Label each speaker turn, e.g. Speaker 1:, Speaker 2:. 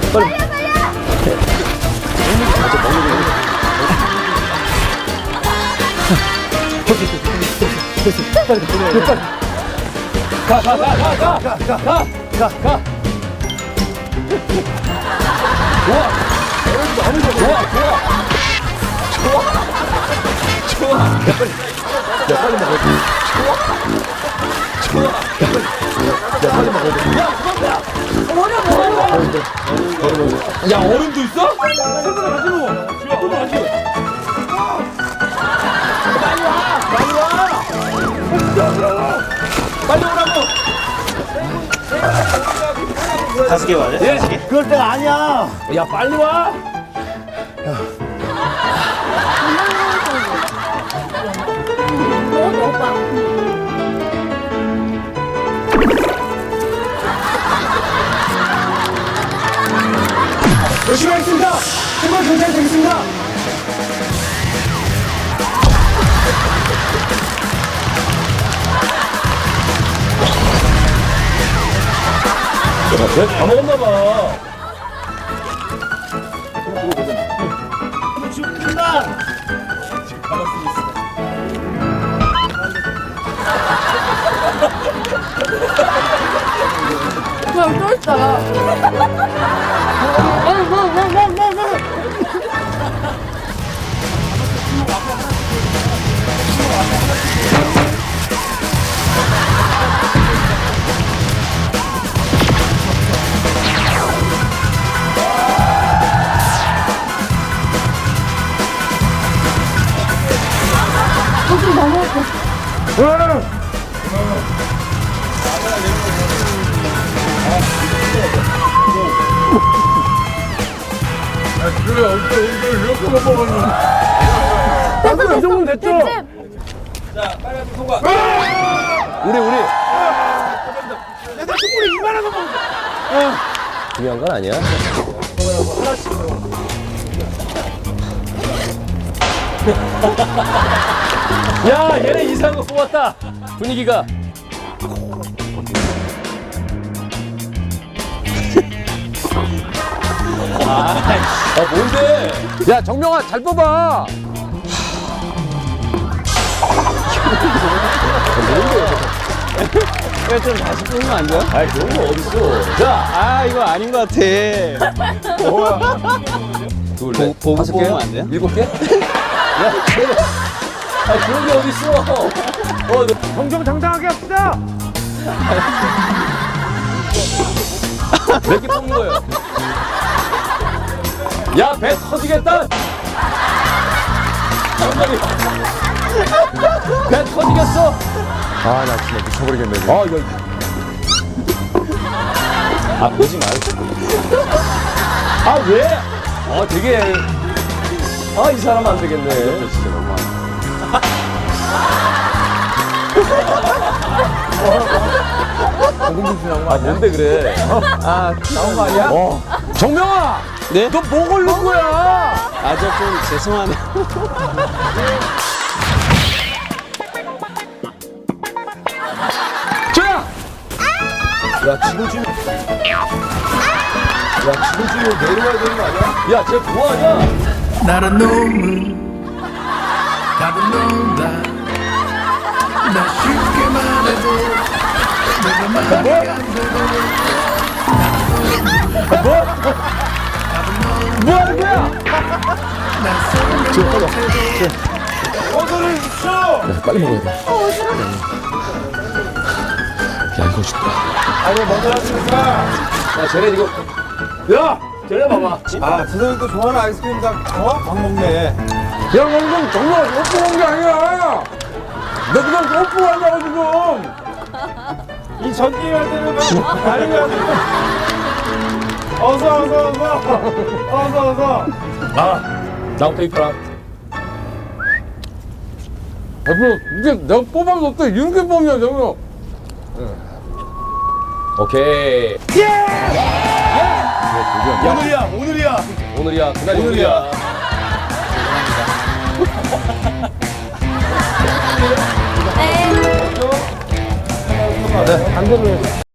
Speaker 1: 빨리. 가. 좋아. 야, 빨리 먹어. 좋아. 야, 빨리 먹어. 야, 얼음도 있어? 생각을 같이 먹어. 생각을 같이 먹어. 빨리 오라고.
Speaker 2: 5개 와야 돼?
Speaker 1: 예.
Speaker 3: 그럴 때가 아니야.
Speaker 1: 야, 빨리 와. 열심히 하겠습니다. 정말 경찰 되겠습니다. 다 먹었나 봐.
Speaker 3: 지금 끝나.
Speaker 4: 그냥 또 있잖아.
Speaker 1: 이 정도면 됐죠?
Speaker 2: 자, 빨간색 통과.
Speaker 1: 우리.
Speaker 3: 내가 충분히 이만한 거 먹어.
Speaker 1: 중요한 건 아니야. 야, 얘네 이상한 거 뽑았다. 분위기가. 뭔데? 야, 정명아, 잘 뽑아.
Speaker 2: 이거 좀 다시 뽑으면 안 돼요?
Speaker 1: 아이, 그런 거 어딨어. 자,
Speaker 2: 이거 아닌 것 같아.
Speaker 1: 둘,
Speaker 2: 보-
Speaker 1: 넷,
Speaker 2: 보고
Speaker 1: 다섯 개?
Speaker 2: 뽑으면 안 돼요?
Speaker 1: 7개? 야, 그런 게 어딨어.
Speaker 3: 정정당당하게 합시다.
Speaker 1: 몇 개 뽑는 거예요? 야, 배 터지겠다. 배 터지겠어.
Speaker 5: 아, 나 진짜 미쳐버리겠네. 지금.
Speaker 1: 아, 이거. 아, 보지 말고. 아, 왜? 아, 되게. 아, 이 사람 안 되겠네. 진짜 너무하네. 아, 뭔데 그래?
Speaker 2: 아, 나온 거 아니야?
Speaker 1: 정명아!
Speaker 2: 네?
Speaker 1: 너 뭐 걸린 거야?
Speaker 2: 아, 저 좀 죄송하네요.
Speaker 1: 조야! 야, 지금쯤. 야, 지금쯤 내려와야 되는 거 아니야? 야, 쟤 뭐하냐?
Speaker 6: 나란 놈은 답은 논다. 나 쉽게 말해도 내가 말이 안 되고
Speaker 1: 뭐 하는 거야?
Speaker 3: 어서를 주십시오.
Speaker 1: 빨리 먹어야 돼. 야, 이거 죽다.
Speaker 3: 아니 먼저 하십니까?
Speaker 1: 야, 쟤네 이거. 야! 쟤네 봐봐.
Speaker 3: 아 선생님 또 좋아하는 아이스크림 다막 먹네.
Speaker 1: 야, 방금 정말 뽀뽀한 게 아니야! 너 그냥 뽀뽀하냐고, 지금!
Speaker 3: 이 전기를 할 때는 막 다른 거 하는 어서.
Speaker 1: 아, 나부터 입혀라. 이게 내가 뽑아도 없다. 이렇게 뽑냐, 정말. 오케이. 오늘이야. 그날이 오늘이야.
Speaker 4: 네.
Speaker 1: 네, 한 번을.